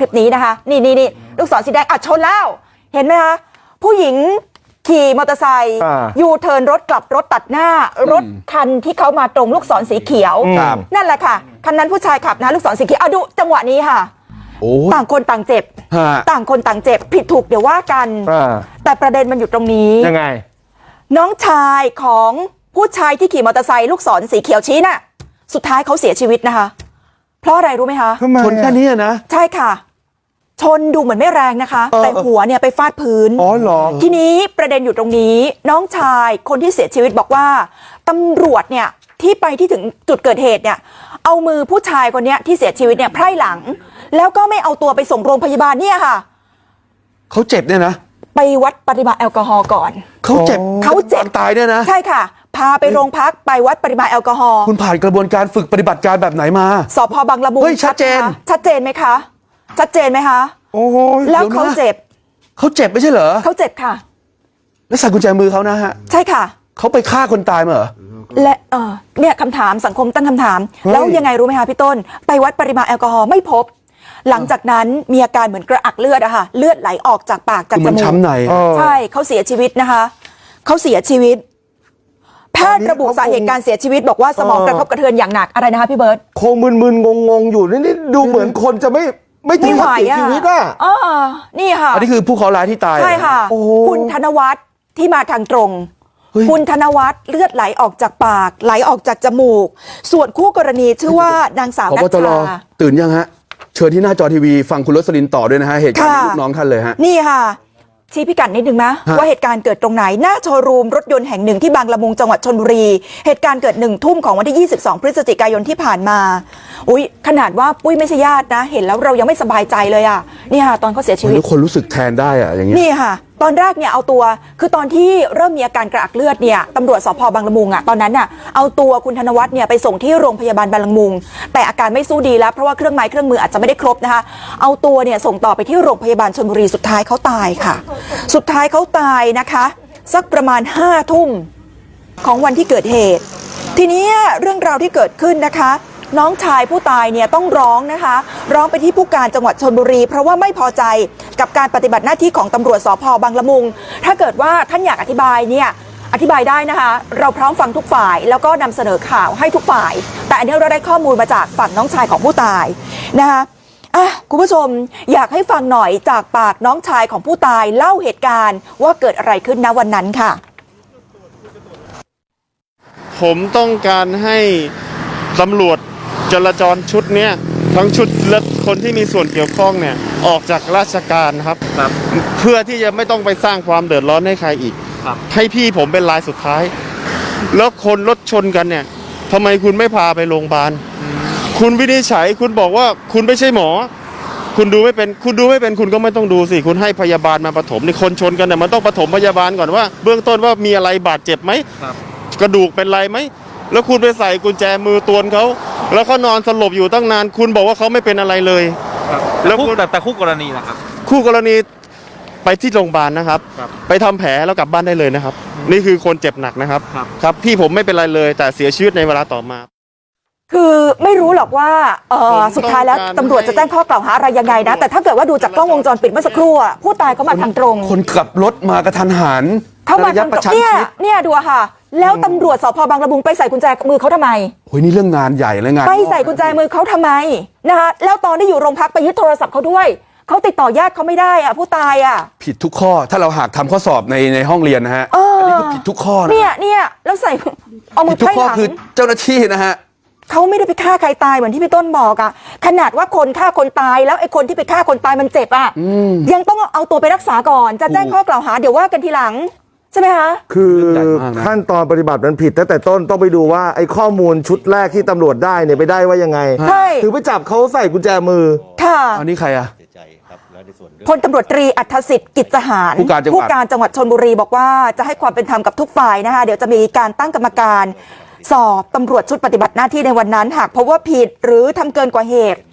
คลิปนี้นะคะนี่ลูกศรสีแดงชนแล้วเห็นไหมคะผู้หญิงขี่มอเตอร์ไซค์ยูเทิร์นรถกลับรถตัดหน้ารถคันที่เขามาตรงลูกศรสีเขียวนั่นแหละค่ะคันนั้นผู้ชายขับนะลูกศรสีเขียวดูจังหวะนี้ค่ะต่างคนต่างเจ็บต่างคนต่างเจ็บผิดถูกเดี๋ยวว่ากันแต่ประเด็นมันอยู่ตรงนี้ยังไงน้องชายของผู้ชายที่ขี่มอเตอร์ไซค์ลูกศรสีเขียวชี้น่ะสุดท้ายเขาเสียชีวิตนะคะเพราะอะไรรู้ไหมคะชนแค่นี้นะใช่ค่ะชนดูเหมือนไม่แรงนะคะแต่หัวเนี่ยไปฟาดพื้นเหรอทีนี้ประเด็นอยู่ตรงนี้น้องชายคนที่เสียชีวิตบอกว่าตำรวจเนี่ยที่ไปที่ถึงจุดเกิดเหตุเนี่ยเอามือผู้ชายคนนี้ที่เสียชีวิตเนี่ยไพร่หลังแล้วก็ไม่เอาตัวไปส่งโรงพยาบาลเนี่ยค่ะเขาเจ็บเนี่ยนะไปวัดปริมาณแอลกอฮอล์ก่อนเขาเจ็บตายเนี่ยนะใช่ค่ะพาไปโรงพักไปวัดปริมาณแอลกอฮอล์คุณผ่านกระบวนการฝึกปฏิบัติการแบบไหนมาสพ.บางละมุงชัดเจนไหมคะชัดเจนไหมคะโอ้แล้วเขาเจ็บไม่ใช่เหรอเขาเจ็บค่ะแล้วใส่กุญแจมือเขานะฮะใช่ค่ะเขาไปฆ่าคนตายมาเหรอและเนี่ยคำถามสังคมตั้งคำถามแล้วยังไงรู้ไหมคะพี่ต้นไปวัดปริมาณแอลกอฮอล์ไม่พบหลังจากนั้นมีอาการเหมือนกระอักเลือดอะค่ะเลือดไหลออกจากปากจากจมูกใช่เขาเสียชีวิตนะคะเขาเสียชีวิตแพทย์ระบุสาเหตุการเสียชีวิตบอกว่าสมองกระทบกระเทือนอย่างหนักอะไรนะคะพี่เบิร์ตคงมึนๆงงๆอยู่นี่ดูเหมือนคนจะไม่ถึงกับเสียชีวิตอะนี่ค่ะอันนี้คือผู้เคราะห์ร้ายที่ตายใช่ค่ะคุณธนวัฒน์ที่มาทางตรงคุณธนวัฒน์เลือดไหลออกจากปากไหลออกจากจมูกส่วนคู่กรณีชื่อว่านางสาวนัชชาตื่นยังฮะเชิญที่หน้าจอทีวีฟังคุณรสลินต่อด้วยนะฮะเหตุการณ์ลูกน้องท่านเลยฮะนี่ค่ะชี้พิกัดนิดนึงนะว่าเหตุการณ์เกิดตรงไหนหน้าโชว์รูมรถยนต์แห่งหนึ่งที่บางละมุงจังหวัดชลบุรีเหตุการณ์เกิด1 ทุ่มของวันที่22 พฤศจิกายนที่ผ่านมาขนาดว่าปุ้ยไม่ใช่ญาตินะเห็นแล้วเรายังไม่สบายใจเลยอ่ะนี่ค่ะตอนเขาเสียชีวิตทุกคนรู้สึกแทนได้อ่ะอย่างนี้นี่ค่ะตอนแรกเนี่ยเอาตัวคือตอนที่เริ่มมีอาการกระอักเลือดเนี่ยตำรวจสพ.บางละมุงอ่ะตอนนั้นน่ะเอาตัวคุณธนวัฒน์เนี่ยไปส่งที่โรงพยาบาลบางละมุงแต่อาการไม่สู้ดีแล้วเพราะว่าเครื่องไม้เครื่องมืออาจจะไม่ได้ครบนะคะเอาตัวเนี่ยส่งต่อไปที่โรงพยาบาลชลบุรีสุดท้ายเขาตายค่ะสุดท้ายเขาตายนะคะสักประมาณ5 ทุ่มของวันที่เกิดเหตุทีนี้เรื่องราวที่เกิดขึ้นนะคะน้องชายผู้ตายเนี่ยต้องร้องนะคะร้องไปที่ผู้การจังหวัดชลบุรีเพราะว่าไม่พอใจกับการปฏิบัติหน้าที่ของตำรวจสพ.บางละมุงถ้าเกิดว่าท่านอยากอธิบายเนี่ยอธิบายได้นะคะเราพร้อมฟังทุกฝ่ายแล้วก็นำเสนอข่าวให้ทุกฝ่ายแต่อันนี้เราได้ข้อมูลมาจากฝั่งน้องชายของผู้ตายนะคะคุณผู้ชมอยากให้ฟังหน่อยจากปากน้องชายของผู้ตายเล่าเหตุการณ์ว่าเกิดอะไรขึ้นณวันนั้นค่ะผมต้องการให้ตำรวจจราจรชุดนี้ทั้งชุดและคนที่มีส่วนเกี่ยวข้องเนี่ยออกจากราชการครับเพื่อที่จะไม่ต้องไปสร้างความเดือดร้อนให้ใครอีกให้พี่ผมเป็นรายสุดท้ายแล้วคนรถชนกันเนี่ยทำไมคุณไม่พาไปโรงพยาบาลคุณวินิจฉัยคุณบอกว่าคุณไม่ใช่หมอคุณดูไม่เป็นคุณก็ไม่ต้องดูสิคุณให้พยาบาลมาปฐมนี่คนชนกันเนี่ยมันต้องปฐมพยาบาลก่อนว่าเบื้องต้นว่ามีอะไรบาดเจ็บไหมกระดูกเป็นไรไหมแล้วคุณไปใส่กุญแจมือตวนเขาแล้วเขานอนสลบอยู่ตั้งนานคุณบอกว่าเขาไม่เป็นอะไรเลยแล้วแต่คู่กรณีนะครับคู่กรณีไปที่โรงพยาบาลนะครับไปทำแผลแล้วกลับบ้านได้เลยนะครับนี่คือคนเจ็บหนักนะครับครับพี่ผมไม่เป็นไรเลยแต่เสียชีวิตในเวลาต่อมาคือไม่รู้หรอกว่าสุดท้ายแล้วตำรวจจะแจ้งข้อกล่าวหาอะไรยังไงนะแต่ถ้าเกิดว่าดูจากกล้องวงจรปิดเมื่อสักครู่ผู้ตายเขามาทางตรงคนขับรถมากระทันหันเข้ามาทางตรงเนี่ยดูค่ะแล้วตำรวจสพ.บางละมุงไปใส่กุญแจมือเขาทำไมโอ้ยนี่เรื่องงานใหญ่เลยงานไปใส่กุญแจมือเขาทำไมนะคะแล้วตอนที่อยู่โรงพักไปยึดโทรศัพท์เขาด้วยเขาติดต่อญาติเขาไม่ได้ผู้ตายผิดทุกข้อถ้าเราหากทำข้อสอบในห้องเรียนนะฮะอันนี้คือผิดทุกข้อนะเนี่ยแล้วใส่เอามือไพ่หลังคือเจ้าหน้าที่นะฮะเขาไม่ได้ไปฆ่าใครตายเหมือนที่พี่ต้นบอกขนาดว่าคนฆ่าคนตายแล้วไอ้คนที่ไปฆ่าคนตายมันเจ็บยังต้องเอาตัวไปรักษาก่อนจะแจ้งข้อกล่าวหาเดี๋ยวว่ากันทีหลังใช่ไหมคะคือขั้นตอนปฏิบัติมันผิดตั้งแต่ต้นต้องไปดูว่าไอ้ข้อมูลชุดแรกที่ตำรวจได้เนี่ยไปได้ว่ายังไงใช่ถือไปจับเขาใส่กุญแจมือค่ะอันนี้ใครพลตำรวจตรีอัธสิทธิ์กิจสหารผู้การจังหวัดชลบุรีบอกว่าจะให้ความเป็นธรรมกับทุกฝ่ายนะคะเดี๋ยวจะมีการตั้งกรรมการสอบตำรวจชุดปฏิบัติหน้าที่ในวันนั้นหากพบว่าผิดหรือทำเกินกว่าเหตุ